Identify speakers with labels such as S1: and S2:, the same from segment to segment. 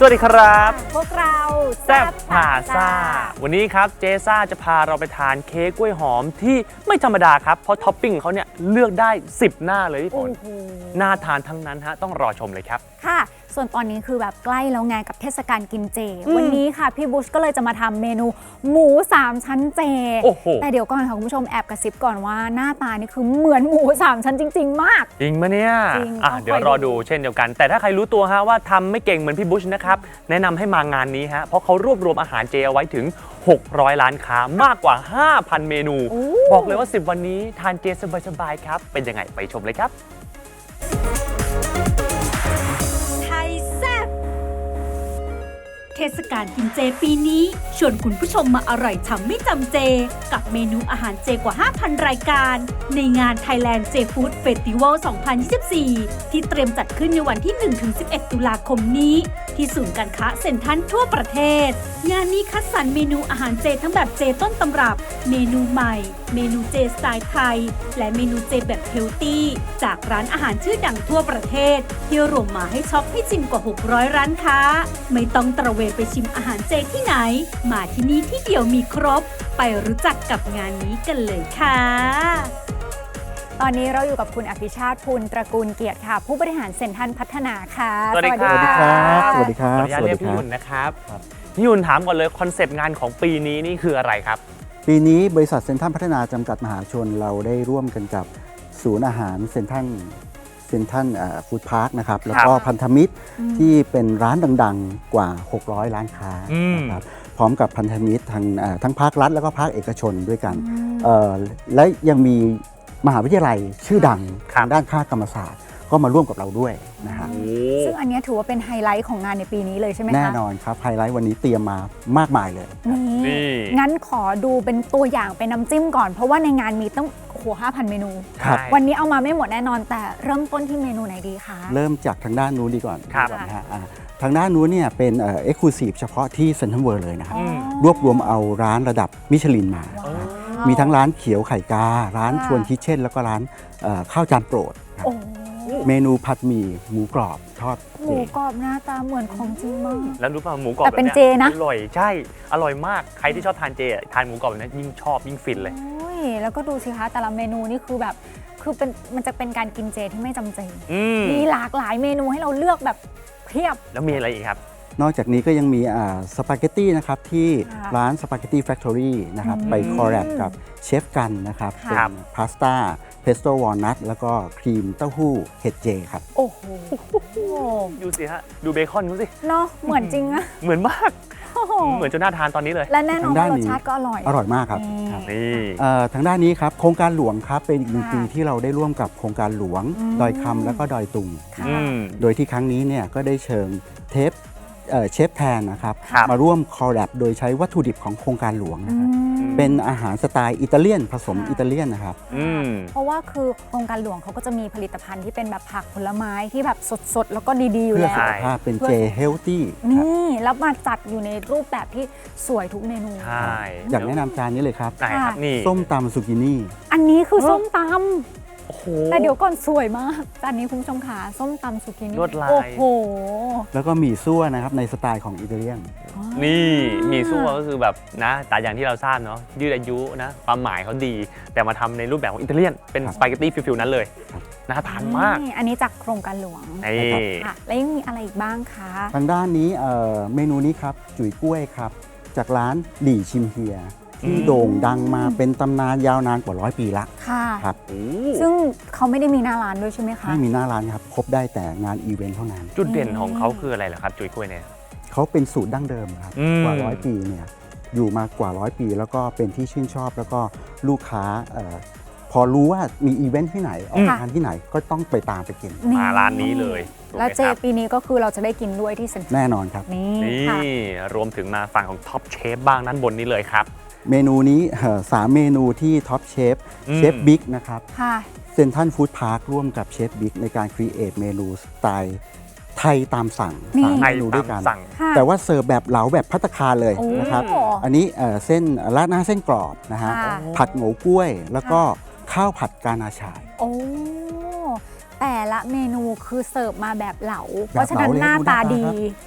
S1: วัสดีครับ
S2: พวกเรา
S1: แซ่บพาซ่าวันนี้ครับเจซ่าจะพาเราไปทานเค้กกล้วยหอมที่ไม่ธรรมดาครับเพราะท็อปปิ้งเขาเนี่ยเลือกได้10หน้าเลยพี่ฝนน่าทานทั้งนั้นฮะต้องรอชมเลยครับ
S2: ค่ะส่วนตอนนี้คือแบบใกล้แล้วไงกับเทศกาลกินเจวันนี้ค่ะพี่บุชก็เลยจะมาทำเมนูหมู3ชั้นเจแต่เดี๋ยวก่อนค่ะคุณผู้ชมแอบกระซิบก่อนว่าหน้าตานี่คือเหมือนหมู3ชั้นจริงๆมาก
S1: จริงมะเนี่ยเดี๋ยวรอดูเช่นเดียวกันแต่ถ้าใครรู้ตัวฮะว่าทำไม่เก่งเหมือนพี่บุชนะครับแนะนำให้มางานนี้ฮะเพราะเขารวบรวมอาหารเจเอาไว้ถึง600ร้านค้ามากกว่า 5,000 เมนูบอกเลยว่า10วันนี้ทานเจสบายๆครับเป็นยังไงไปชมเลยครับ
S3: เทศกาลกินเจปีนี้ชวนคุณผู้ชมมาอร่อยฉ่ำไม่จำเจกับเมนูอาหารเจกว่า 5,000 รายการในงาน Thailand J Food Festival 2024 ที่เตรียมจัดขึ้นในวันที่ 1-11 ตุลาคมนี้ที่ศูนย์การค้าเซ็นทรัลทั่วประเทศงานนี้คัดสรรเมนูอาหารเจทั้งแบบเจต้นตำรับเมนูใหม่เมนูเจสไตล์ไทยและเมนูเจแบบเฮลตี้จากร้านอาหารชื่อดังทั่วประเทศที่รวมมาให้ช็อปให้ชิมกว่า600ร้านค้าไม่ต้องตระเวนไปชิมอาหารเจที่ไหนมาที่นี่ที่เดียวมีครบไปรู้จักกับงานนี้กันเลยค่ะ
S2: ตอนนี้เราอยู่กับคุณอภิชาติภูลตระกูลเกียรติค่ะผู้บริหารเซ็นทรัลพัฒนาค่ะ
S1: สวัสดีครับ
S4: สวัสดีครับ
S1: ขออนุญาตเรียกพี่ยุ่นนะครับพี่ยุ่นถามก่อนเลยคอนเซปต์งานของปีนี้นี่คืออะไรครับ
S4: ปีนี้บริษัทเซ็นทรัลพัฒนาจำกัดมหาชนเราได้ร่วมกันกับศูนย์อาหารเซ็นทรัลฟู้ดพาร์คนะครับแล้วก็พันธมิตรที่เป็นร้านดังๆกว่า600ร้านค้านะครับพร้อมกับพันธมิตรทั้งภาครัฐแล้วก็ภาคเอกชนด้วยกันและยังมีมหาวิทยาลัยชื่อดังทางด้านคณะกรรมศาสตร์ก็มาร่วมกับเราด้วยนะฮะ
S2: ซึ่งอันนี้ถือว่าเป็นไฮไลท์ของงานในปีนี้เลยใช่ไหมคะ
S4: แน่นอนครับไฮไลท์วันนี้เตรียมมามากมายเลย
S2: นี่งั้นขอดูเป็นตัวอย่างเป็นน้ำจิ้มก่อนเพราะว่าในงานมีต้อง5,000 เมนูวันนี้เอามาไม่หมดแน่นอนแต่เริ่มต้นที่เมนูไหนดีคะ
S4: เริ่มจากทางด้านนู้นดีก่อนนะฮะทางด้านนู้นเนี่ยเป็นเอ็กซ์คลูซีฟเฉพาะที่เซ็นทรัลเวิลด์เลยนะครับรวบรวมเอาร้านระดับมิชลินมามีทั้งร้านเขียวไข่การ้านชวนคิทเช่นแล้วก็ร้านข้าวจานโปรดเมนูผัดหมี่หมูกรอบทอด
S2: หมูกรอบหน้าตาเหมือนของจริงมาก
S1: แล้วรู้ป่ะหมูกรอบ
S2: แต่เป็นเจนะ
S1: อร่อยใช่อร่อยมากใครที่ชอบทานเจทานหมูกรอบแบบนี้ยิ่งชอบยิ่งฟินเลย
S2: แล้วก็ดูสิคะแต่ละเมนูนี่คือแบบมันจะเป็นการกินเจที่ไม่จำเจมีหลากหลายเมนูให้เราเลือกแบบเพียบ
S1: แล้วมีอะไรอีกครับ
S4: นอกจากนี้ก็ยังมีสปาเกตตี้นะครับที่ร้านสปาเกตตี้แฟคทอรี่นะครับไปคอลแลบกับเชฟกันนะครับเป็นพาสต้าเพสโต้วอลนัทแล้วก็ครีมเต้าหู้เห็ดเจครับ
S2: โอ้โห
S1: ดูสิฮะดูเบคอนดูสิ
S2: เนาะเหมือนจริงอะ
S1: เหมือนมากเหมือนจนน่าทานตอนนี้เลย
S2: และแน่นอนรสชาติก็อร่อย
S4: มากครับ
S1: นี่
S4: ทางด้านนี้ครับโครงการหลวงครับเป็นอีก1 ปีที่เราได้ร่วมกับโครงการหลวงดอยคำแล้วก็ดอยตุงโดยที่ครั้งนี้เนี่ยก็ได้เชิญเชฟแทนนะครับมาร่วมคอลแลบโดยใช้วัตถุดิบของโครงการหลวงนะครับเป็นอาหารสไตล์อิตาเลียนผสมอิตาเลียนนะครับ
S2: เพราะว่าคือโครงการหลวงเขาก็จะมีผลิตภัณฑ์ที่เป็นแบบผักผลไม้ที่แบบสดๆแล้วก็ดีๆอยู่แล้ว
S4: เพื่อสุขภาพเป็นเจเฮลตี้
S2: นี่แล้วมาจัดอยู่ในรูปแบบที่สวยทุกเมนู
S4: อยากแนะนำจานนี้เลยครับ
S1: นี่
S4: ส้มตำซูกินี่
S2: อันนี้คือส้มตำแต่เดี๋ยวก่อนสวยมากจานนี้คุณผู้ชมขาส้มตำซูกินี่
S1: ลวดลาย
S2: โอ้โห
S4: แล้วก็หมี่ซั่วนะครับในสไตล์ของอิตาเลียน
S1: นี่หมี่ซั่วก็คือแบบนะแต่อย่างที่เราทราบเนาะยืดอายุนะความหมายเขาดีแต่มาทำในรูปแบบของอิตาเลียนเป็นสปาเกตตี้ฟิลๆนั้นเลยน่าทานมาก
S2: อันนี้จากโครงการหลวงค่ะแล้วยังมีอะไรอีกบ้างคะ
S4: ทางด้านนี้เมนูนี้ครับจุ๋ยกล้วยครับจากร้านหลี่ชิมเฮียที่โด่งดังมาเป็นตำนานยาวนานกว่า100 ปีละ
S2: ค่ะครับซึ่งเขาไม่ได้มีหน้าร้านด้วยใช่ไหมคะ
S4: ไม่มีหน้าร้านครับพบได้แต่งานอีเวนต์เท่านั้น
S1: จุดเด่นของเขาคืออะไรล่ะครับจุ๋ยกล้วยเนี่ย
S4: เขาเป็นสูตรดั้งเดิมครับกว่า100 ปีเนี่ยอยู่มากว่า100 ปีแล้วก็เป็นที่ชื่นชอบแล้วก็ลูกค้าพอรู้ว่ามีอีเวนต์ที่ไหนออกงานที่ไหนก็ต้องไปตามไปกิน
S1: มาร้านนี้เลย
S2: แล้วเจปีนี้ก็คือเราจะได้กินด้วยที่เซ็นทรัล
S4: แน่นอนครับ
S1: นี่รวมถึงมาฝั่งของท็อปเชฟบ้างด้านบนนี้เลยครับ
S4: เมนูนี้3 เมนูที่ท็อปเชฟบิ๊กนะครับเซ็นทรัลฟู้ดพาร์คร่วมกับเชฟบิ๊กในการครีเอทเมนูสไตล์ไทยตามสั่ง3 เมนูด้วยกันแต่ว่าเสิร์ฟแบบเหลาแบบภัตตาคารเลยนะครับอันนี้เส้นราดหน้าเส้นกรอบนะฮะผัดโง่กล้วยแล้วก็ข้าวผัดกานาชาย
S2: โอ้แต่ละเมนูคือเสิร์ฟมาแบบเหลาเพราะฉะนั้นหน้าตาดี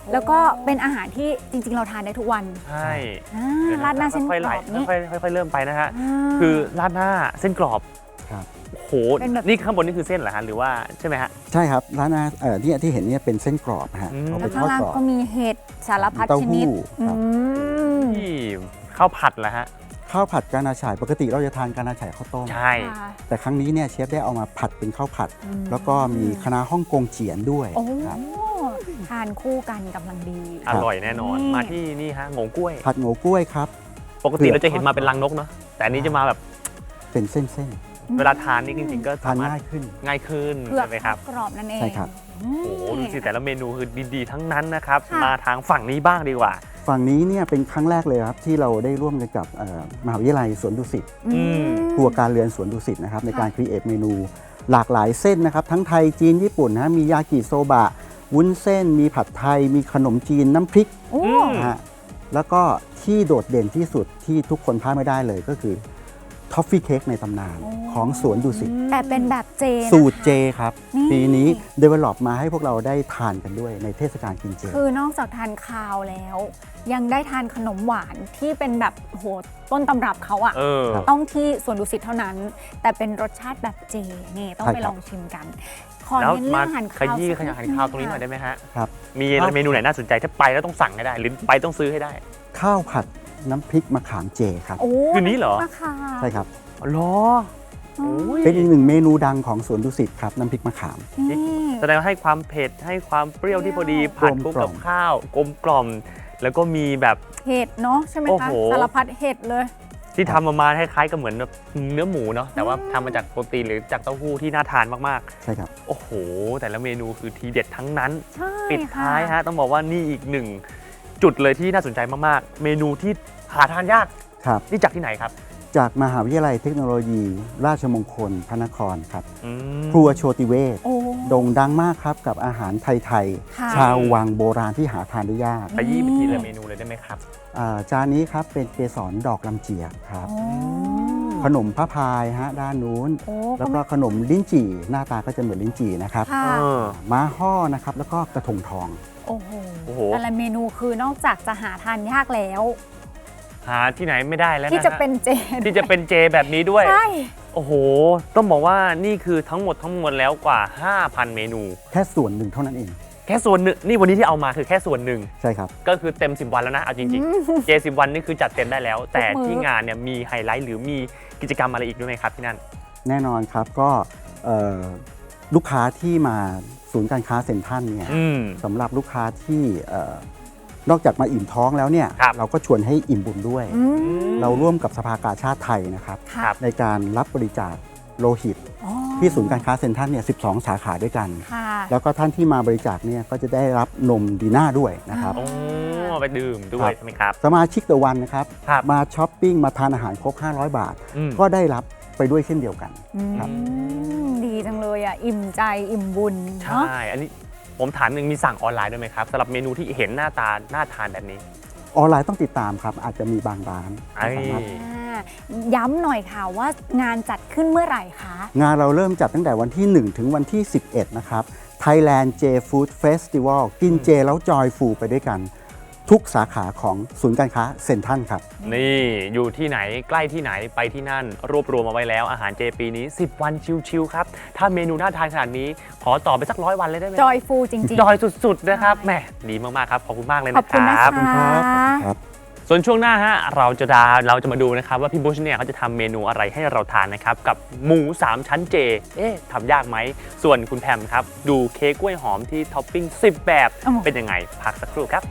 S2: แล้วก็เป็นอาหารที่จริงๆ เราทานได้ทุกวัน
S1: ใช่
S2: ราดหน้าเส้นก
S1: ค่อยๆ
S2: ร
S1: ไล่
S2: อบนี่
S1: ค่อยๆเริ่มไปนะฮะ
S2: อ่า
S1: คือราดหน้าเส้นกรอบ
S4: ครับ
S1: โอ้โห
S2: เป็นแบบ
S1: นี่ข้างบนนี่คือเส้นเหรอฮะหรือว่าใช่ไหมฮะ
S4: ใช่ครับร้านอาเนี่ยที่เห็นเนี่ยเป็นเส้นกรอบนะฮะ
S1: อืม
S4: เอาไป
S2: แล้ว
S4: ท
S2: ข้าง
S4: อด
S2: ล่าง
S4: กรอบ
S2: ก็มีเห็ดสารพัด
S4: เต้า
S2: ช
S4: หู้
S2: นิด
S4: ครับ
S1: ที่ข้าวผัดเหรอฮะ
S4: ข้าวผัดกานาฉ่ายปกติเราจะทานกานาฉ่ายข้าวต้ม
S1: ใช่
S2: ค่ะ
S4: แต่ครั้งนี้เนี่ยเชฟได้เอามาผัดเป็นข้าวผัด
S2: อืม
S4: แล้วก็มีคะน้าฮ่องกงเจียนด้วย
S2: โอ้
S4: ครับ
S2: ทานคู่กันกำลังดี
S1: อร่อยแน่นอน
S2: นี่
S1: มาที่นี่ฮะโงกล้วย
S4: ผัดโงกล้วยครับ
S1: ปกติเราจะเห็นมาเป็นรังนกเนาะแต่อันนี้จะมาแบบ
S4: เป็นเส้น
S1: เวลาทานนี่จริงๆก็
S4: ๆทาน
S1: สามารถ
S4: ง่ายขึ้น
S1: ง่ายขึ้น
S2: เผือก
S1: ใช่ไหมครับ
S2: กรอบนั่นเอง
S4: ใช่ครับ
S2: อืม
S1: โอ้โหดูสิแต่ละเมนูคือดีๆทั้งนั้นนะครับ
S2: ค่ะ
S1: มาทางฝั่งนี้บ้างดีกว่า
S4: ฝั่งนี้เนี่ยเป็นครั้งแรกเลยครับที่เราได้ร่วมกันกับมหาวิทยาลัยสวนดุสิต
S2: อืม
S4: ครัวการเรือนสวนดุสิตนะครับในการ
S2: ค่ะ
S4: ครีเอทเมนูหลากหลายเส้นนะครับทั้งไทยจีนญี่ปุ่นนะมียากิโซบะวุ้นเส้น มีผัดไทย มีขนมจีนน้ำพริก
S2: โอ้
S1: อืม
S4: นะฮะแล้วก็ที่โดดเด่นที่สุดที่ทุกคนพลาดไม่ได้เลยก็คือทอฟฟี่เค้กในตำนานของสวนดุสิต
S2: แต่เป็นแบบเจนะคะ
S4: สูตรเจครับ
S2: นี่
S4: ปีนี้ develop มาให้พวกเราได้ทานกันด้วยในเทศกาลกินเจ
S2: คือนอกจากทานคาวแล้ว ยังได้ทานขนมหวานที่เป็นแบบโหต้นตำรับเขาอะ
S1: เออ
S4: ครับ
S2: ต้องที่สวนดุสิตเท่านั้น แต่เป็นรสชาติแบบเจนี่ต้อง
S4: ใช่
S2: ไป
S4: ครับ
S2: ลองชิมกัน ขอ
S1: แล้ว
S2: เน้น
S1: มา
S2: เรื่องอาหาร
S1: ข
S2: คาว
S1: ยี้
S2: สัก
S1: ขยะอาหารคาวตรงนี้หน่อยได้ไหมฮะ
S4: ครับ
S1: มี
S4: ครับ
S1: เมนูไหนน่าสนใจถ้าไปแล้วต้องสั่งให้ได้ หรือไปต้องซื้อให้ได้
S4: ข้าวผัดน้ำพริกมะขามเจครับ
S2: โอ้
S1: คืนนี้เหรอ
S2: มะขาม
S4: ใช่ครับ
S1: อ๋อเหรอโอ้ย
S4: เป็นอีกหนึ่งเมนูดังของสวนดุสิตครับน้ำพริกมะขาม
S2: นี่
S1: แสดงว่าให้ความเผ็ดให้ความเปรี้ยวที่พอดี
S4: กลม
S1: ผัดคู่
S4: กล่
S1: กั
S4: อบ ม
S1: ข้าวกลมกล่อม แล้วก็มีแบบ
S2: เห็ดเนาะใช่ไหม
S1: โอ้
S2: คะ
S1: โห
S2: สารพัดเห็ดเลย
S1: ที่ทำมาคล้ายๆกับเหมือนแบบเนื้อหมูเนาะแต่ว่าทำมาจากโปรตีนหรือจากเต้าหู้ที่น่าทานมาก
S4: ใช่ครับ
S1: ๆ โอ้โห แต่ละเมนูคือทีเด็ดทั้งนั้น
S2: ใช่
S1: ปิด
S2: ค่ะ
S1: ท้ายฮะต้องบอกว่านี่อีกหนึ่งจุดเลยที่น่าสนใจมากๆ เมนูที่หาทานยาก
S4: ครับ
S1: นี่จากที่ไหนครับ
S4: จากมหาวิทยาลัยเทคโนโลยี ราชมงคลพระนครครับ
S1: อืม
S4: ครัวโชติเวศ
S2: โอ้
S4: โด่งดังมากครับกับอาหารไทย
S2: ค่ะ
S4: ๆ ชาววังโบราณที่หาทานได้ยาก
S1: ขยี้ไปทีละเมนูเลยได้ไหมครับ
S4: จานนี้ครับเป็นเกสรดอกลำเจียกครับ
S2: โอ้
S4: ขนมพระพายฮะด้านนู้น
S2: โอ้
S4: แล้วก็ขนมลิ้นจี่หน้าตาก็จะเหมือนลิ้นจี่นะครับ
S2: ค่ะ
S1: เออ
S4: ม้าห่อนะครับแล้วก็กระทงทอง
S2: โอ้โห
S1: โอ้โห
S2: แต่ละเมนูคือนอกจากจะหาทานยากแล้ว
S1: หาที่ไหนไม่ได้แล้วนะ
S2: ที่จะเป็นเจ
S1: ที่จะเป็นเจแบบนี้ด้วย
S2: ใช่
S1: โอ้โห ต้องบอกว่านี่คือทั้งหมดแล้วกว่า 5,000 เมนู
S4: แค่ส่วนหนึ่งเท่านั้นเอง
S1: แค่ส่วนหนึ่งนี่วันนี้ที่เอามาคือแค่ส่วนหนึ่ง
S4: ใช่ครับ
S1: ก็คือเต็ม 10 วันแล้วนะ เอาจริงๆ เจ 10 วันนี่คือจัดเต็มได้แล้ว แต่ที่งานเนี่ยมีไฮไลท์หรือมีกิจกรรมอะไรอีกด้วยไหมครับที่นั่น
S4: แน่นอนครับก็ลูกค้าที่มาศูนย์การค้าเซ็นทรัลเนี่ย
S1: อืม
S4: สำหรับลูกค้าที่นอกจากมาอิ่มท้องแล้วเนี่ย
S1: ครับ
S4: เราก็ชวนให้อิ่มบุญด้วย
S2: อืม
S4: เราร่วมกับสภากาชาติไทยนะครับ
S2: ค่ะ
S1: ครับ
S4: ในการรับบริจาคโลหิต
S2: อ๋อ
S4: ที่ศูนย์การค้าเซ็นทรัลเนี่ย 12 สาขาด้วยกัน
S2: ค่ะ
S4: แล้วก็ท่านที่มาบริจาคเนี่ยก็จะได้รับนมดีน่าด้วยนะครับ
S1: โอ้ไปดื่มด้ว
S4: ครั
S1: ย
S4: บ
S1: ใช่ไหมครับ
S4: สมาชิกเดอะวันนะครับ
S1: ครับ
S4: มาช้อปปิ้งมาทานอาหารครบ 500 บาท
S1: อืม
S4: ก็ได้รับไปด้วยเช่นเดียวกัน ครับ
S2: ดีจังเลยอ่ะ อิ่มใจอิ่มบุญ
S1: ใช
S2: เนาะ
S1: ่ อันนี้ผมถามหนึ่งมีสั่งออนไลน์ด้วยไหมครับสำหรับเมนูที่เห็นหน้าตาน่าทานแบบนี้
S4: ออนไลน์ต้องติดตามครับ อาจจะมีบางร้าน
S1: ไอ้
S4: สามารถ
S2: ย้ำหน่อยค่ะว่างานจัดขึ้นเมื่อไหร่คะ
S4: งานเราเริ่มจัดตั้งแต่วันที่ 1 ถึงวันที่ 11 นะครับ Thailand J Food Festival กินเจแล้วจอยฟูไปด้วยกัน ทุกสาขาของศูนย์การค้าเซ็นทรัลครับ
S1: นี่อยู่ที่ไหนใกล้ที่ไหนไปที่นั่น รวบรวมมาไว้แล้วอาหารเจปีนี้ 10 วันชิวๆครับ ถ้าเมนูน่าทานขนาดนี้ ขอต่อไปสัก100 วันเลยได้ไหม
S2: จอยฟูจริงๆ
S1: จอยสุดๆนะครับ
S2: ใช่
S1: แหมดีมากๆครับ ขอบคุณมากเลย
S2: ขอบ
S1: นะค
S2: คุณนะ
S1: รับ
S2: คะ
S4: ครับ
S1: ส่วนช่วงหน้าฮะเราจะมาดูนะครับว่าพี่บุชเนี่ยเขาจะทำเมนูอะไรให้เราทานนะครับกับหมู 3 ชั้นเจทำยากไหมส่วนคุณแพมครับดูเค้กกล้วยหอมที่ท็อปปิ้ง10 แบบ
S2: โอ้โห
S1: เป็นยังไงพักสักครู่ครับ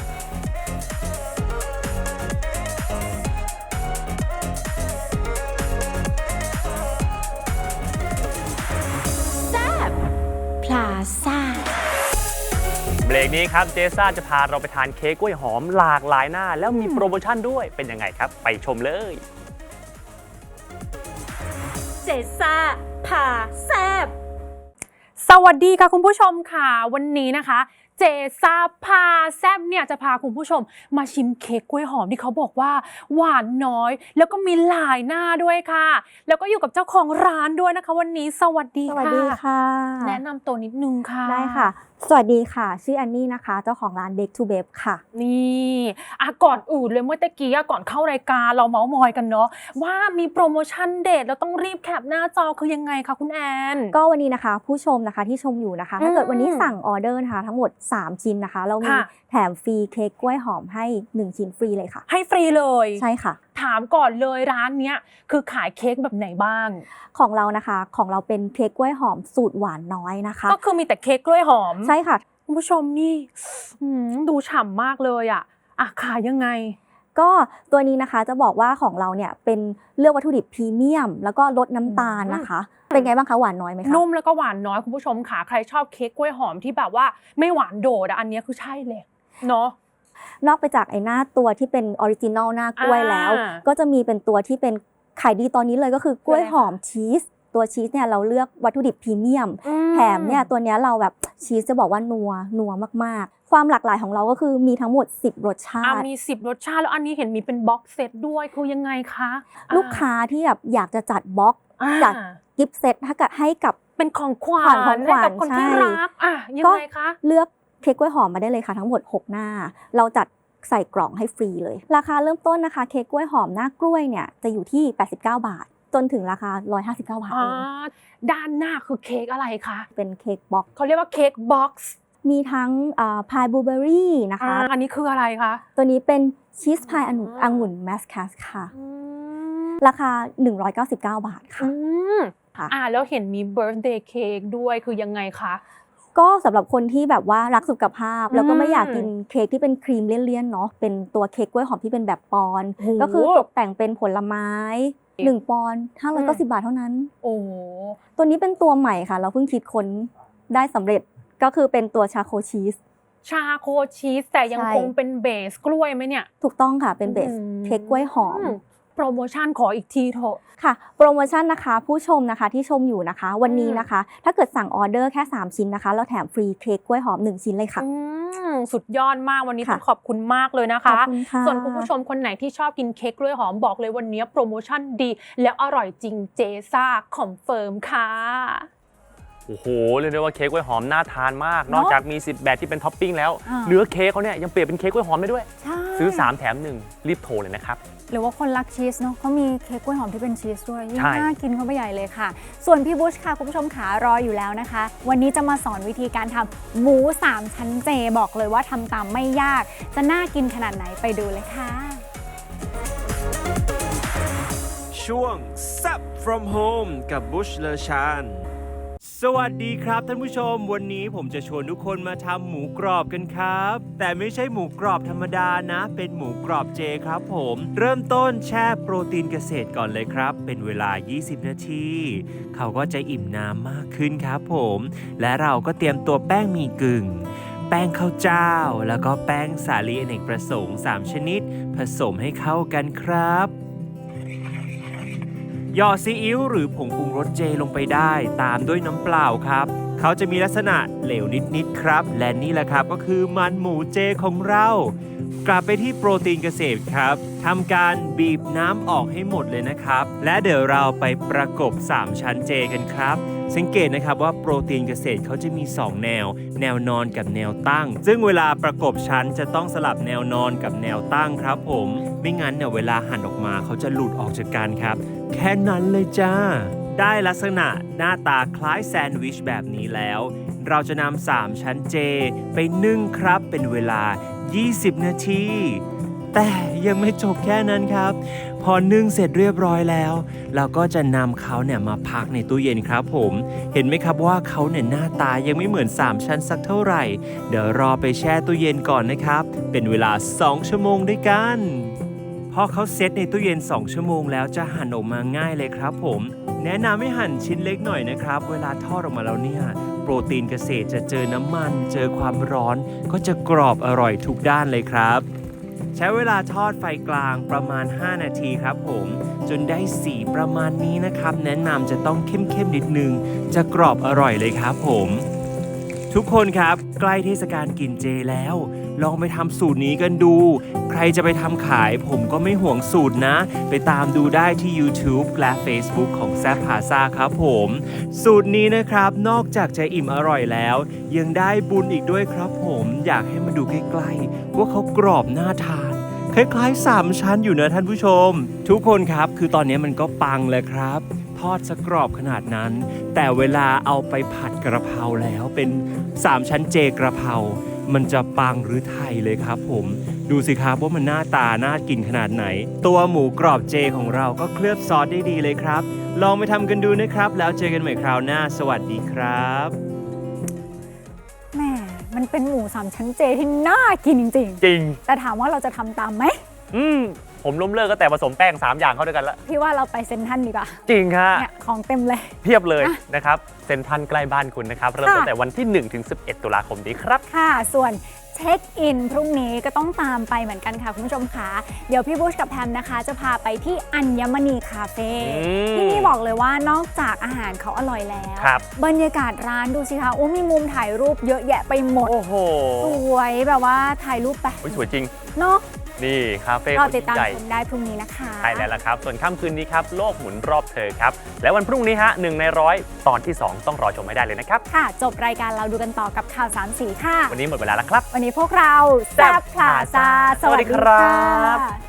S3: พลาซ่า
S1: เบรกนี้ครับเจซ่าจะพาเราไปทานเค้กกล้วยหอมหลากหลายหน้า แล้วมีโปรโมชั่นด้วยเป็นยังไงครับ ไปชมเลย
S3: เจซ่าพาแซบ
S5: สวัสดีค่ะคุณผู้ชมค่ะวันนี้นะคะ เจเจซาพาแซบเนี่ยจะพาคุณผู้ชมมาชิมเค้กกล้วยหอมที่เขาบอกว่าหวานน้อย แล้วก็มีหลายหน้าด้วยค่ะ แล้วก็อยู่กับเจ้าของร้านด้วยนะคะวันนี้สวัสดี
S6: ส
S5: ค่ะ
S6: วัสดีค่ะ
S5: แนะนำตัวนิดนึงค่ะ
S6: ได้ค่ะ สวัสดีค่ะ ชื่ออันนี่นะคะ เจ้าของร้าน Bake to Babe ค่ะ
S5: นี่ก่อนอื่นเลยเมื่อตะกี้ก่อนเข้ารายการเราเมาส์มอยกันเนาะว่ามีโปรโมชั่นเด็ดแล้วต้องรีบแคปหน้าจอคือยังไงคะคุณแอน
S6: ก็วันนี้นะคะผู้ชมนะคะที่ชมอยู่นะคะ ถ้าเกิดวันนี้สั่งออเดอร์นะคะทั้งหมด 3 ชิ้นนะคะ เรามี
S5: ค่ะ
S6: แถมฟรีเค้กกล้วยหอมให้ 1 ชิ้นฟรีเลยค่ะ
S5: ให้ฟรีเลย
S6: ใช่ค่ะ
S5: ถามก่อนเลยร้านเนี้ยคือขายเค้กแบบไหนบ้าง
S6: ของเรานะคะของเราเป็นเค้กกล้วยหอมสูตรหวานน้อยนะคะ
S5: ก็คือมีแต่เค้กกล้วยหอม
S6: ใช่ค่ะ
S5: คุณผู้ชมนี่ดูฉ่ำมากเลยอ่ะขายยังไง
S6: ก็ตัวนี้นะคะจะบอกว่าของเราเนี่ยเป็นเลือกวัตถุดิบพรีเมียม แล้วก็ลดน้ำตาลนะคะ เป็นไงบ้างคะหวานน้อยไหมคะ
S5: นุ่มแล้วก็หวานน้อยคุณผู้ชมค่ะใครชอบเค้กกล้วยหอมที่แบบว่าไม่หวานโดดอันนี้คือใช่เลยเนาะ
S6: นอกไปจากไอ้หน้าตัวที่เป็นออริจินอลหน้ากล้วยแล้ว ก็จะมีเป็นตัวที่เป็นขายดีตอนนี้เลยก็คือกล้วยหอมชีสตัวชีสเนี่ยเราเลือกวัตถุดิบพรีเมียมแถมเนี่ยตัวเนี้ยเราแบบชีสจะบอกว่านัวมากๆความหลากหลายของเราก็คือมีทั้งหมด10 รสชาติ
S5: มี10 รสชาติแล้วอันนี้เห็นมีเป็นบ็อกเซตด้วยคือยังไงคะ
S6: ลูกค้าที่แบบอยากจะจัดบ็อกจัดกิฟต์เซตให้กับ
S5: เป็นของขวัญ
S6: ของขวัญ
S5: ให้กับคนที่
S6: ใช่
S5: รักยังไงคะ
S6: เลือกเค้กกล้วยหอมมาได้เลยค่ะทั้งหมด6 หน้า เราจัดใส่กล่องให้ฟรีเลยราคาเริ่มต้นนะคะเค้กกล้วยหอมหน้ากล้วยเนี่ยจะอยู่ที่89 บาทจนถึงราคา159 บาทเอง
S5: ด้านหน้าคือเค้กอะไรคะ
S6: เป็นเค้กบ็อก
S5: เขาเรียกว่าเค้กบ็อกซ์
S6: มีทั้งพายบลูเบอรี่นะคะ
S5: อันนี้คืออะไรคะ
S6: ตัวนี้เป็นชีสพายองุ่นแมสคัสค่ะราคา199 บาทค่ะ ค่ะ
S5: แล้วเห็นมีเบิร์ธเดย์เค้กด้วยคือยังไงคะ
S6: ก็สำหรับคนที่แบบว่ารักสุขภาพ แล้วก็ไม่อยากกินเค้กที่เป็นครีมเลี่ยนๆเนาะเป็นตัวเค้กกล้วยหอมที่เป็นแบบปอนด์
S5: โอ้โห
S6: ก็คือตกแต่งเป็นผลไม้1 ปอนด์590 บาทเท่านั้น
S5: โอ้
S6: ตัวนี้เป็นตัวใหม่ค่ะ เราเพิ่งคิดค้นได้สำเร็จก็คือเป็นตัวชาโคชีส
S5: ชาโคชีสแต่ยัง
S6: ใช่
S5: คงเป็นเบสกล้วยไหมเนี่ย
S6: ถูกต้องค่ะเป็นเบสเค้กกล้วยหอม
S5: โปรโมชั่นขออีกทีเถอะ
S6: ค่ะโปรโมชั่นนะคะผู้ชมนะคะที่ชมอยู่นะคะ วันนี้นะคะ ถ้าเกิดสั่งออเดอร์แค่3 ชิ้นนะคะเราแถมฟรีเค้กกล้วยหอม1 ชิ้นเลยค่ะ
S5: สุดยอดมากวันนี้
S6: ค่ะ
S5: ต้องขอบคุณมากเลยนะคะ
S6: ขอบคุณค่ะ
S5: ส่วนคุณผู้ชมคนไหนที่ชอบกินเค้กกล้วยหอมบอกเลยวันนี้โปรโมชั่นดี แล้วอร่อยจริงเจซ่าคอนเฟิร์มค่ะ
S1: โอ้โหเรียกได้ว่าเค้กกล้วยหอมน่าทานมาก นอกจากมี10 แบบที่เป็นท็อปปิ้งแล้ว เนื้อเค้กเขาเนี่ยยังเปลี่ยนเป็นเค้กกล้วยหอมได้ด้วย
S2: ใช่
S1: ซื้อ3 แถม 1 รีบโทรเลยนะครับ
S2: หรือว่าคนรักชีสเนาะเขามีเค้กกล้วยหอมที่เป็นชีสด้วยยิ่ง
S1: ใช่
S2: น่ากินเข้าไปใหญ่เลยค่ะ ส่วนพี่บุชค่ะคุณผู้ชมขารออยู่แล้วนะคะ วันนี้จะมาสอนวิธีการทำหมู3 ชั้นเจบอกเลยว่าทำตามไม่ยาก จะน่ากินขนาดไหนไปดูเลยค่ะ
S7: ช่วง Sup from Home กับบุชเลอชานสวัสดีครับท่านผู้ชมวันนี้ผมจะชวนทุกคนมาทำหมูกรอบกันครับ แต่ไม่ใช่หมูกรอบธรรมดานะ เป็นหมูกรอบเจครับผม เริ่มต้นแช่โปรตีนเกษตรก่อนเลยครับ เป็นเวลา 20 นาที เขาก็จะอิ่มน้ำมากขึ้นครับผม และเราก็เตรียมตัวแป้งหมี่กึ่ง แป้งข้าวเจ้า แล้วก็แป้งสาลีอเนกประสงค์ 3 ชนิด ผสมให้เข้ากันครับหยอดซีอิ๊วหรือผงปรุงรสเจลงไปได้ตามด้วยน้ำเปล่าครับ เขาจะมีลักษณะเหลวนิดๆครับ และนี่แหละครับก็คือมันหมูเจของเรา กลับไปที่โปรตีนเกษตรครับทำการบีบน้ำออกให้หมดเลยนะครับ และเดี๋ยวเราไปประกบ3 ชั้นเจกันครับ สังเกตนะครับว่าโปรตีนเกษตรเขาจะมี2 แนว แนวนอนกับแนวตั้ง ซึ่งเวลาประกบชั้นจะต้องสลับแนวนอนกับแนวตั้งครับผมไม่งั้นเนี่ยเวลาหั่นออกมาเขาจะหลุดออกจากกันครับ แค่นั้นเลยจ้า ได้ลักษณะหน้าตาคล้ายแซนด์วิชแบบนี้แล้ว เราจะนำ3 ชั้นเจไปนึ่งครับเป็นเวลา 20 นาที แต่ยังไม่จบแค่นั้นครับ พอนึ่งเสร็จเรียบร้อยแล้ว เราก็จะนำเขาเนี่ยมาพักในตู้เย็นครับผม เห็นไหมครับว่าเขาเนี่ยหน้าตายังไม่เหมือน3 ชั้นสักเท่าไหร่ เดี๋ยวรอไปแช่ตู้เย็นก่อนนะครับ เป็นเวลา2 ชั่วโมงด้วยกัน พอเขาเซตในตู้เย็น2 ชั่วโมงแล้วจะหั่นออกมาง่ายเลยครับผม แนะนำให้หั่นชิ้นเล็กหน่อยนะครับ เวลาทอดออกมาแล้วเนี่ยโปรตีนเกษตรจะเจอน้ำมันเจอความร้อนก็จะกรอบอร่อยทุกด้านเลยครับ ใช้เวลาทอดไฟกลางประมาณ5 นาทีครับผมจนได้สีประมาณนี้นะครับแนะนำจะต้องเข้มๆนิดนึงจะกรอบอร่อยเลยครับผมทุกคนครับใกล้เทศกาลกินเจแล้ว ลองไปทำสูตรนี้กันดู ใครจะไปทำขายผมก็ไม่ห่วงสูตรนะ ไปตามดูได้ที่ YouTube และ Facebook ของแซ่บพาซาครับผม สูตรนี้นะครับนอกจากจะอิ่มอร่อยแล้ว ยังได้บุญอีกด้วยครับผมอยากให้มาดูใกล้ๆว่าเขากรอบน่าทาน คล้ายๆ3ชั้นอยู่นะท่านผู้ชม ทุกคนครับคือตอนนี้มันก็ปังเลยครับ ทอดสกรอบขนาดนั้น แต่เวลาเอาไปผัดกระเพราแล้วเป็น3ชั้นเจกระเพรามันจะปังหรือไทยเลยครับผมดูสิครับว่ามันหน้าตาน่ากินขนาดไหน ตัวหมูกรอบเจของเราก็เคลือบซอสได้ดีเลยครับลองไปทำกันดูนะครับแล้วเจอกันใหม่คราวหน้าสวัสดีครับ
S2: แหม่มันเป็นหมู3ชั้นเจที่น่ากินจริง
S1: จริง
S2: ๆแต่ถามว่าเราจะทำตามไหม
S1: ผมล้มเลิกก็แต่ผสมแป้ง3อย่างเข้าด้วยกันแล้ว
S2: พี่ว่าเราไปเซ็นทรัลดีกว่า
S1: จริงฮะ
S2: เนี่ยของเต็มเลย
S1: เพียบเลยนะครับเซ็นทรัลใกล้บ้านคุณนะครับเริ่มตั้งแต่วันที่1ถึง11ตุลาคมนี้ครับ
S2: ค่ะส่วนเช็คอินพรุ่งนี้ก็ต้องตามไปเหมือนกันค่ะคุณผู้ชมค่ะเดี๋ยวพี่บุชกับแพมนะคะจะพาไปที่อัญมณีคาเฟ่ ที่นี่บอกเลยว่านอกจากอาหารเขาอร่อยแล้ว
S1: ครับ
S2: บรรยากาศร้านดูสิคะโอ้มีมุมถ่ายรูปเยอะแยะไปหมด
S1: โอ้โห
S2: สวยแบบว่าถ่ายรูปไป
S1: โอ้ยสวยจริง
S2: เนาะ
S1: นี่คาเฟ่
S2: เรา
S1: คน
S2: ติดตาม
S1: ใหญ่
S2: ชมได้พรุ่งนี้นะคะ
S1: ใช่แล้วล่ะครับ ส่วนค่ำคืนนี้ครับ โลกหมุนรอบเธอครับ และวันพรุ่งนี้ฮะ1 ใน 100 ตอนที่ 2 ต้องรอชมให้ได้เลยนะครับ
S2: ค่ะ จบรายการเราดูกันต่อกับข่าวสามสีค่ะ
S1: วันนี้หมดเวลาแล้วครับ
S2: วันนี้พวกเราแซบพลาซา
S1: สวัสดีครับ
S2: ค่ะ